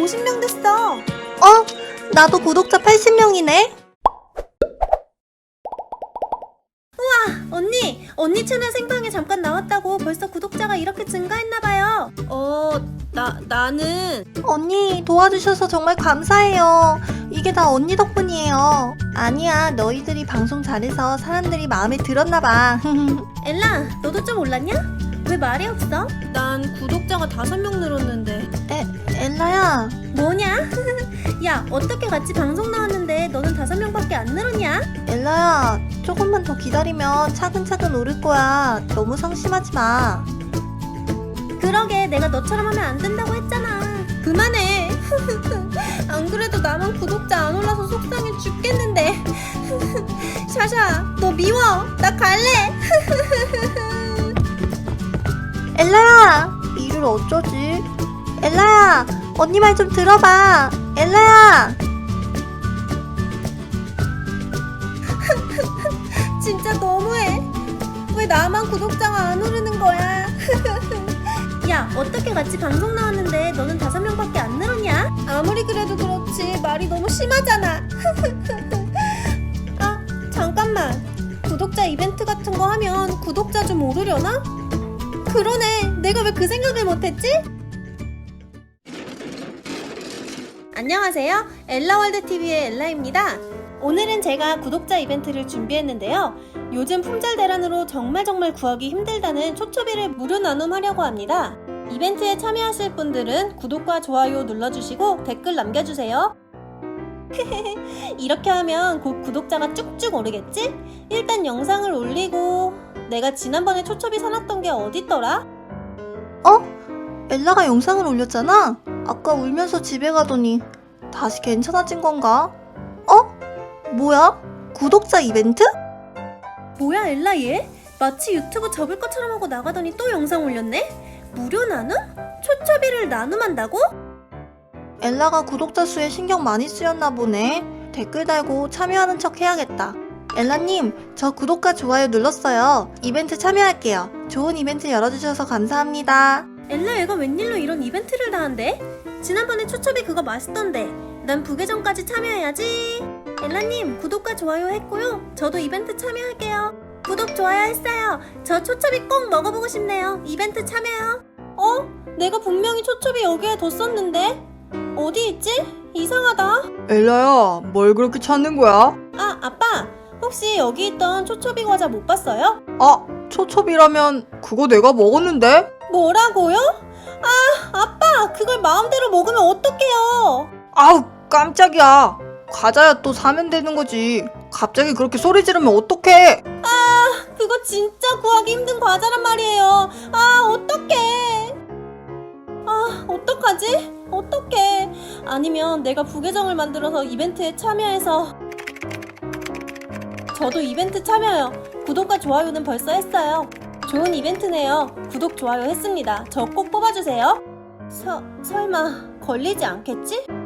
50명 됐어. 나도 구독자 80명이네. 언니 채널 생방에 잠깐 나왔다고 벌써 구독자가 이렇게 증가했나봐요. 나는 언니 도와주셔서 정말 감사해요. 이게 다 언니 덕분이에요. 아니야, 너희들이 방송 잘해서 사람들이 마음에 들었나봐. 엘라, 너도 좀 올랐냐? 왜 말이 없어? 난 구독자가 5명 늘었는데. 엘라야. 뭐냐? 야, 어떻게 같이 방송 나왔는데 너는 5명밖에 안 늘었냐? 엘라야, 조금만 더 기다리면 차근차근 오를 거야. 너무 상심하지 마. 그러게, 내가 너처럼 하면 안 된다고 했잖아. 그만해. 안 그래도 나만 구독자 안 올라서 속상해 죽겠는데. 샤샤, 너 미워. 나 갈래. 엘라야, 이를 어쩌지? 엘라야, 언니 말 좀 들어봐. 엘라야. 진짜 너무해. 왜 나만 구독자가 안 오르는 거야? 야, 어떻게 같이 방송 나왔는데 너는 5명밖에 안 늘었냐? 아무리 그래도 그렇지 말이 너무 심하잖아. 아, 잠깐만. 구독자 이벤트 같은 거 하면 구독자 좀 오르려나? 그러네. 내가 왜 그 생각을 못했지? 안녕하세요. 엘라월드TV의 엘라입니다. 오늘은 제가 구독자 이벤트를 준비했는데요. 요즘 품절 대란으로 정말 구하기 힘들다는 초초비를 무료 나눔하려고 합니다. 이벤트에 참여하실 분들은 구독과 좋아요 눌러주시고 댓글 남겨주세요. 이렇게 하면 곧 구독자가 쭉쭉 오르겠지? 일단 영상을 올리고 내가 지난번에 초초비 사놨던 게 어딨더라? 엘라가 영상을 올렸잖아? 아까 울면서 집에 가더니 다시 괜찮아진 건가? 뭐야? 구독자 이벤트? 뭐야 엘라 얘? 마치 유튜브 접을 것처럼 하고 나가더니 또 영상 올렸네? 무료 나눔? 초초비를 나눔한다고? 엘라가 구독자 수에 신경 많이 쓰였나 보네. 댓글 달고 참여하는 척 해야겠다. 엘라님, 저 구독과 좋아요 눌렀어요. 이벤트 참여할게요. 좋은 이벤트 열어주셔서 감사합니다. 엘라 얘가 웬일로 이런 이벤트를 다 한대? 지난번에 초초비 그거 맛있던데. 난 부계정까지 참여해야지. 엘라님, 구독과 좋아요 했고요. 저도 이벤트 참여할게요. 구독, 좋아요 했어요. 저 초초비 꼭 먹어보고 싶네요. 이벤트 참여요. 내가 분명히 초초비 여기에 뒀었는데? 어디 있지? 이상하다. 엘라야, 뭘 그렇게 찾는 거야? 아, 아빠. 혹시 여기 있던 초초비 과자 못 봤어요? 초초비라면 그거 내가 먹었는데? 뭐라고요? 아빠, 그걸 마음대로 먹으면 어떡해요? 아우, 깜짝이야. 과자야 또 사면 되는 거지. 갑자기 그렇게 소리 지르면 어떡해? 그거 진짜 구하기 힘든 과자란 말이에요. 어떡해. 어떡하지? 어떡해. 아니면 내가 부계정을 만들어서 이벤트에 참여해서. 저도 이벤트 참여요. 구독과 좋아요는 벌써 했어요. 좋은 이벤트네요. 구독, 좋아요 했습니다. 저 꼭 뽑아주세요. 설마 걸리지 않겠지?